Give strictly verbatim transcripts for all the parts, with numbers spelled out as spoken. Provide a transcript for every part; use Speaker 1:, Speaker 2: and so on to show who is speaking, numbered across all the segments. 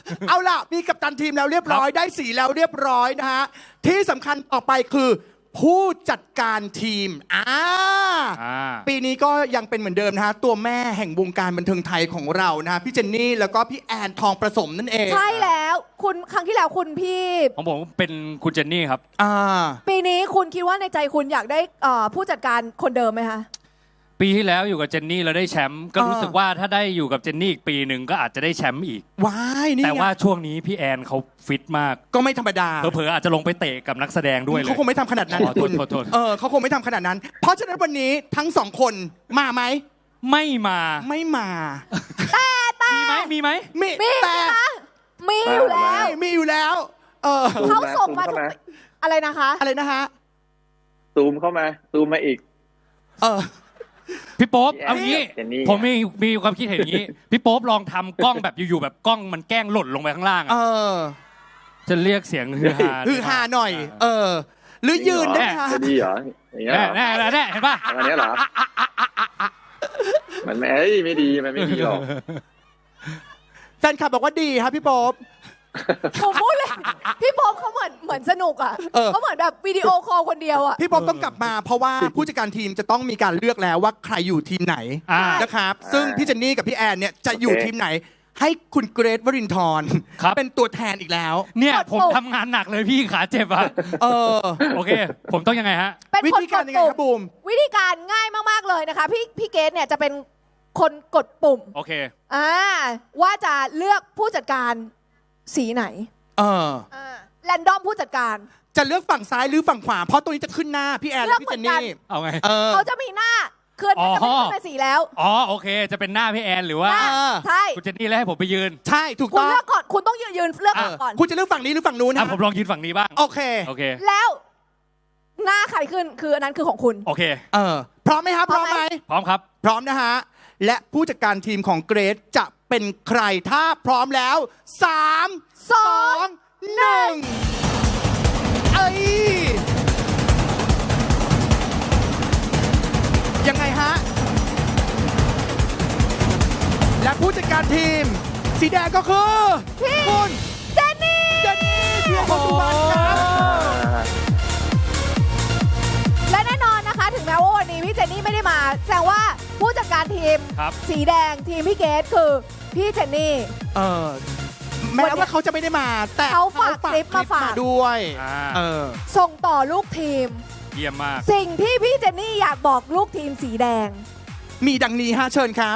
Speaker 1: เอาล่ะมีกัปตันทีมแล้วเรียบร้อยได้สีแล้วเรียบร้อยนะฮะที่สำคัญต่อไปคือผู้จัดการทีมอ่าปีนี้ก็ยังเป็นเหมือนเดิมนะฮะตัวแม่แห่งวงการบันเทิงไทยของเรานะฮะพี่เจนนี่แล้วก็พี่แอนทองประสมนั่นเอง
Speaker 2: ใช่แล้วคุณครั้งที่แล้วคุณพี่
Speaker 3: ของผมเป็นคุณเจนนี่ครับ
Speaker 1: อ่า
Speaker 2: ปีนี้คุณคิดว่าในใจคุณอยากได้ผู้จัดการคนเดิมไหมคะ
Speaker 3: ปีที่แล้วอยู่กับเจนนี่เราได้แชมป์ก็รู้สึกว่าถ้าได้อยู่กับเจนนี่อีกปีหนึ่งก็อาจจะได้แชมป์อีก
Speaker 1: ว้ายนี่
Speaker 3: แต่ว่าช่วงนี้พี่แอนเขาฟิตมาก
Speaker 1: ก็ไม่ธรรมดา
Speaker 3: เผลอๆอาจจะลงไปเตะกับนักแสดงด้วยเลย
Speaker 1: เขาคงไม่ทำขนาดนั้นคุณเออเขาคงไม่ทำขนาดนั้นเพราะฉะนั้นวันนี้ทั้งสองคนมาไหม
Speaker 3: ไม่มา
Speaker 1: ไม่มา
Speaker 2: แต่แต่
Speaker 3: มีไหมมีไหม
Speaker 2: มีแต่มีอยู่แล้ว
Speaker 1: มีอยู่แล้วเออ
Speaker 2: เขาส่งมาทุกอะไรนะคะ
Speaker 1: อะไรนะฮะ
Speaker 4: ซูมเข้ามาซูมมาอีก
Speaker 1: เออ
Speaker 3: พี่โป๊ปเอางี้ผมมีมีความคิดเห็นอย่างนี้พี่โป๊ปลองทำกล้องแบบอยู่ๆแบบกล้องมันแกล้งหล่นลงไปข้างล่าง
Speaker 1: เออ
Speaker 3: จะเรียกเสียงฮือฮา
Speaker 1: ฮือฮาหน่อยเออหรือยืนได้ไหม
Speaker 4: จะดีเหรออย่างเงี้ย
Speaker 3: แน่แน่แน่เห็นป่ะ
Speaker 4: อันนี้เหรอมันไม่ไม่ดีมันไม่ดีหรอก
Speaker 1: แฟนคลับบอกว่าดีครับพี่โป๊ป
Speaker 2: ผมพูดเลยพี่ป๊อปเขาเหมือนเหมือนสนุกอ่ะเขาเหมือนแบบวิดีโอคอลคนเดียวอ่ะ
Speaker 1: พี่ป๊อปต้องกลับมาเพราะว่าผู้จัดการทีมจะต้องมีการเลือกแล้วว่าใครอยู่ทีมไหนนะครับซึ่งพี่เจนนี่กับพี่แอนเนี่ยจะอยู่ทีมไหนให้คุณเกรทวรินทร์เป็นตัวแทนอีกแล้ว
Speaker 3: เนี่ยผมทำงานหนักเลยพี่ขาเจ็บอ่ะ
Speaker 1: เออ
Speaker 3: โอเคผมต้องยังไงฮะ
Speaker 1: วิธีการยังไงครับบูม
Speaker 2: วิธีการง่ายมากๆเลยนะคะพี่พี่เกรทเนี่ยจะเป็นคนกดปุ่ม
Speaker 3: โอเค
Speaker 2: อ่าว่าจะเลือกผู้จัดการสีไหน
Speaker 1: เออ
Speaker 2: แรนดอมผู้จัดการ
Speaker 1: จะเลือกฝั่งซ้ายหรือฝั่งขวาเพราะตัวนี้จะขึ้นหน้าพี่แอนและพี่เจนนี่
Speaker 3: เอาไง
Speaker 2: เขาจะมีหน้าเคลื่อนจะไม่ขึ้นเป็นสีแล้ว
Speaker 3: อ๋อโอเคจะเป็นหน้าพี่แอนหรือว่า
Speaker 2: ใช่
Speaker 3: คุณเจนนี่แล้วให้ผมไปยืน
Speaker 1: ใช่ถูกต้อง
Speaker 2: คุณเลือกก่อนคุณต้องยืนยืนเลือกก่อน
Speaker 1: คุณจะเลือกฝั่งนี้หรือฝั่งนู้นนะ
Speaker 3: ผมลองยืนฝั่งนี้บ้าง
Speaker 1: โอเค
Speaker 3: โอเค
Speaker 2: แล้วหน้าใครขึ้นคืออันนั้นคือของคุณ
Speaker 3: โอเค
Speaker 1: เออพร้อมไหมครับพร้อมไหม
Speaker 3: พร้อมครับ
Speaker 1: พร้อมนะฮะและผู้จัดการทีมของเกรทจะเป็นใครถ้าพร้อมแล้วสามสองหนึ่งเอ้ยยังไงฮะและผู้จัดการทีมสีแดงก็คือคุณ
Speaker 2: เจนนี่
Speaker 1: เจนนี่เทียนพสุวรรณครับ
Speaker 2: และแน่นอนนะคะถึงแม้ว่าวันนี้พี่เจนนี่ไม่ได้มาแสดงว่าผู้จัดการทีมสีแดงทีมพี่เกดคือพี่เจนนี่
Speaker 1: เออแม้ว่าเขาจะไม่ได้มาแต่
Speaker 2: เขาฝากคลิปมาฝาก
Speaker 1: ด้วยเออ
Speaker 2: ส่งต่อลูกทีม
Speaker 3: เยี่ยมมาก
Speaker 2: สิ่งที่พี่เจนนี่อยากบอกลูกทีมสีแดง
Speaker 1: มีดังนี้ฮะเชิญครับ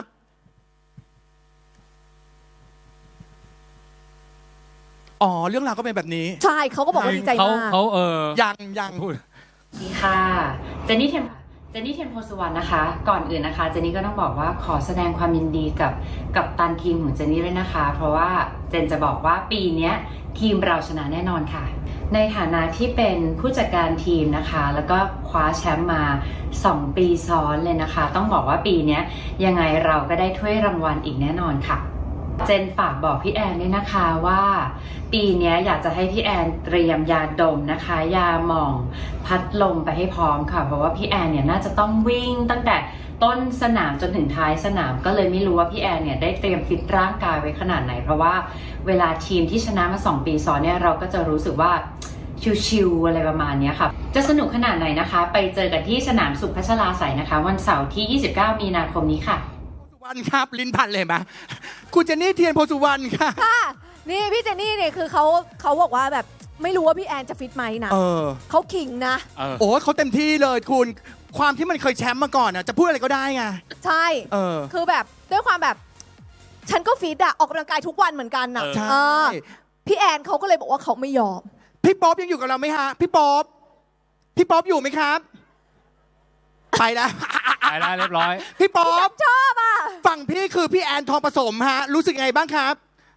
Speaker 1: อ๋อเรื่องราวก็เป็นแบบนี้
Speaker 2: ใช่เขาก็บอกว่าดีใจมาก
Speaker 3: เขาเออ
Speaker 1: ยังยัง
Speaker 5: สวัสดีค่ะเจนนี่เทมเจนนี่เทมโพสุวรรณนะคะก่อนอื่นนะคะเจนนี่ก็ต้องบอกว่าขอแสดงความยินดีกับกับตันทีมของเจนนี่ด้วยนะคะเพราะว่าเจนจะบอกว่าปีนี้ทีมเราชนะแน่นอนค่ะในฐานะที่เป็นผู้จัดการทีมนะคะแล้วก็คว้าแชมป์มาสองปีซ้อนเลยนะคะต้องบอกว่าปีนี้ยังไงเราก็ได้ถ้วยรางวัลอีกแน่นอนค่ะเจนฝากบอกพี่แอนด้วยนะคะว่าปีนี้อยากจะให้พี่แอนเตรียมยาดมนะคะยาหม่องพัดลมไปให้พร้อมค่ะเพราะว่าพี่แอนเนี่ยน่าจะต้องวิ่งตั้งแต่ต้นสนามจนถึงท้ายสนามก็เลยไม่รู้ว่าพี่แอนเนี่ยได้เตรียมฟิตร่างกายไว้ขนาดไหนเพราะว่าเวลาทีมที่ชนะมาสองปีซ้อนเนี่ยเราก็จะรู้สึกว่าชิวๆอะไรประมาณนี้ค่ะจะสนุกขนาดไหนนะคะไปเจอกันที่สนามสุขพัชราไสยนะคะวันเสาร์ที่ยี่สิบเก้ามีนาคมนี้ค่ะ
Speaker 1: วันครับลิ้นพันเลยไหมคุณเจนนี่เทียนโพสุวรรณค่ะ
Speaker 2: ค่ะนี่พี่เจนนี่เนี่ยคือเขาเขาบอกว่าแบบไม่รู้ว่าพี่แอนจะฟิตไหมนะ
Speaker 1: เออ
Speaker 2: เขาขิงนะ
Speaker 1: โอ้เขาเต็มที่เลยคุณความที่มันเคยแชมป์มาก่อนอ่ะจะพูดอะไรก็ได้ไง
Speaker 2: ใช่
Speaker 1: เออ
Speaker 2: คือแบบด้วยความแบบฉันก็ฟิตอะออกกำลังกายทุกวันเหมือนกันนะ
Speaker 1: ใช่
Speaker 2: พี่แอนเขาก็เลยบอกว่าเขาไม่ยอม
Speaker 1: พี่ป๊อปยังอยู่กับเราไหมฮะพี่ป๊อปพี่ป๊อปอยู่ไหมครับไปแล้ว
Speaker 3: ไปแล้วเรียบร้อย
Speaker 1: พี่ป๊อป
Speaker 2: ชอบอ่ะ
Speaker 1: ฝั่งพี่คือพี่แอนทองผสมฮะรู้สึกไงบ้างครับ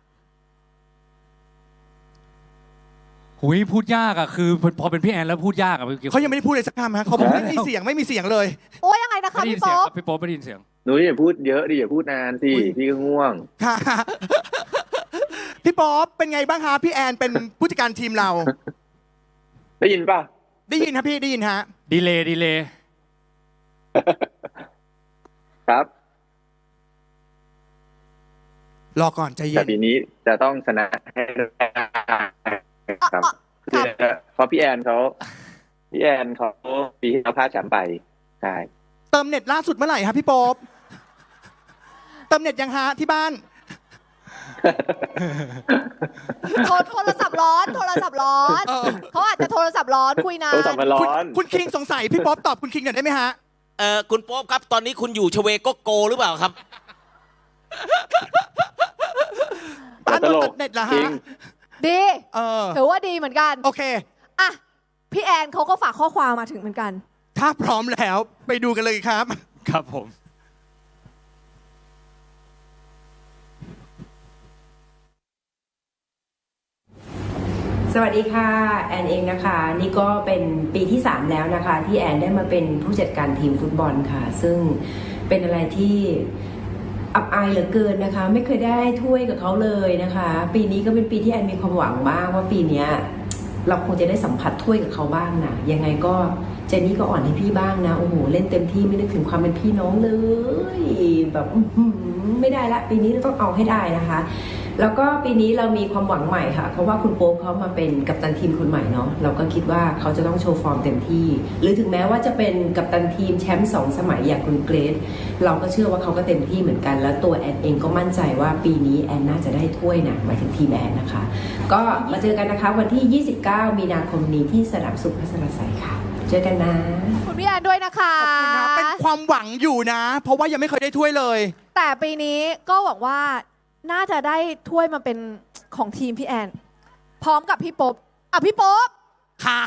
Speaker 3: หุยพูดยากอ่ะคือพอเป็นพี่แอนแล้วพูดยากอ่ะ
Speaker 1: เขายังไม่ได้พูดเลยสักคำฮะเขาบอกไม่มีเสียงไม่มีเสียงเลย
Speaker 2: โอ้ยยังไงนะคะพี่ป๊อป
Speaker 3: พี่ป๊อปไม่ได้ยินเสียง
Speaker 4: หนูอย่าพูดเยอะดิอย่าพูดนานสิพี่ก็ง่วง
Speaker 1: ค่ะพี่ป๊อปเป็นไงบ้างคะพี่แอนเป็นผู้จัดการทีมเรา
Speaker 4: ได้ยินป่ะ
Speaker 1: ได้ยินครับพี่ได้ยินฮะ
Speaker 3: ดีเลย์ดีเลย์
Speaker 4: ครับ
Speaker 1: รอก่อนใจเย็
Speaker 4: แต่
Speaker 1: น
Speaker 4: ปีนี้จะต้องชนะให้ได้ครับ
Speaker 2: ครับ
Speaker 4: เพราะพี่แอนเขาพี่แอนเขาปีที่เราพลาดแชมป์ไปใช่
Speaker 1: เติมเน็ตล่าสุดเมื่อไหร่ครับพี่โป๊ปเติมเน็ตยังฮะที่บ้าน
Speaker 2: โทรโทรศัพท์ร้อนโทรศัพท์ร้อน
Speaker 1: เออ
Speaker 2: เขาอาจจะโทรศัพท์ร้อนคุยนา
Speaker 4: โทรศัพท์
Speaker 2: น
Speaker 4: มันร้
Speaker 1: คุณ
Speaker 4: อน
Speaker 1: คุณคิงสงสัยพี่โป๊ปตอบคุณคิงหน่อยได้ไหมฮะ
Speaker 6: เออคุณโป๊ปครับ ตอนนี้คุณอยู่ชเวโกโกหรือเปล่าครับ
Speaker 1: บ้าน
Speaker 4: ต
Speaker 1: โด
Speaker 4: ล
Speaker 1: น
Speaker 4: ก
Speaker 1: ตัดเน็ตเหรอ
Speaker 4: จริ
Speaker 1: ฮะ
Speaker 4: ง
Speaker 2: ดี
Speaker 1: เออ
Speaker 2: ถือว่าดีเหมือนกัน
Speaker 1: โอเค
Speaker 2: อ่ะพี่แอนเขาก็ฝากข้อความมาถึงเหมือนกัน
Speaker 1: ถ้าพร้อมแล้วไปดูกันเลยครับ
Speaker 3: ครับผม
Speaker 7: สวัสดีค่ะแอนเองนะคะนี่ก็เป็นปีที่สามแล้วนะคะที่แอนได้มาเป็นผู้จัดการทีมฟุตบอลค่ะซึ่งเป็นอะไรที่อับอายเหลือเกินนะคะไม่เคยได้ถ้วยกับเขาเลยนะคะปีนี้ก็เป็นปีที่แอนมีความหวังมากว่าปีนี้เราคงจะได้สัมผัสถ้วยกับเขาบ้างนะยังไงก็เจนนี่ก็อ่อนให้พี่บ้างนะโอ้โหเล่นเต็มที่ไม่นึกถึงความเป็นพี่น้องเลยแบบไม่ได้ละปีนี้เราต้องเอาให้ได้นะคะแล้วก็ปีนี้เรามีความหวังใหม่ค่ะเพราะว่าคุณโป๊ปเขามาเป็นกัปตันทีมคนใหม่เนาะเราก็คิดว่าเขาจะต้องโชว์ฟอร์มเต็มที่หรือถึงแม้ว่าจะเป็นกัปตันทีมแชมป์สองสมัยอย่างคุณเกรซเราก็เชื่อว่าเขาก็เต็มที่เหมือนกันแล้วตัวแอนเองก็มั่นใจว่าปีนี้แอนน่าจะได้ถ้วยนะหมายถึงทีมแอนนะคะก็มาเจอกันนะคะวันที่ยี่สิบเก้ามีนาคมนี้ที่สนามสุขพัชรไสยค่ะเจอกันนะ
Speaker 2: คุณพี่แอนด้วยนะคะ
Speaker 1: ขอบคุณนะเป็นความหวังอยู่นะ เพราะว่ายังไม่เคยได้ถ้วยเลย
Speaker 2: แต่ปีนี้ก็หวังว่าน่าจะได้ถ้วยมาเป็นของทีมพี่แอน พร้อมกับพี่โป๊ปอ่ะพี่โป๊ป
Speaker 1: ค้าง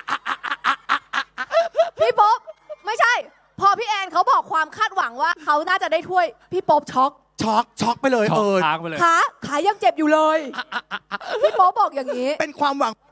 Speaker 2: พี่โป๊ปไม่ใช่ พอพี่แอนเขาบอกความคาดหวังว่าเขาน่าจะได้ถ้วยพี่โป๊ปช็อก
Speaker 1: ช็อกช็อกไปเลย
Speaker 3: ช็อก
Speaker 1: เออ
Speaker 3: ค้างไปเลย
Speaker 2: ขาขายังเจ็บอยู่เลย พี่โป๊ปบอกอย่างนี้
Speaker 1: เป็นความหวัง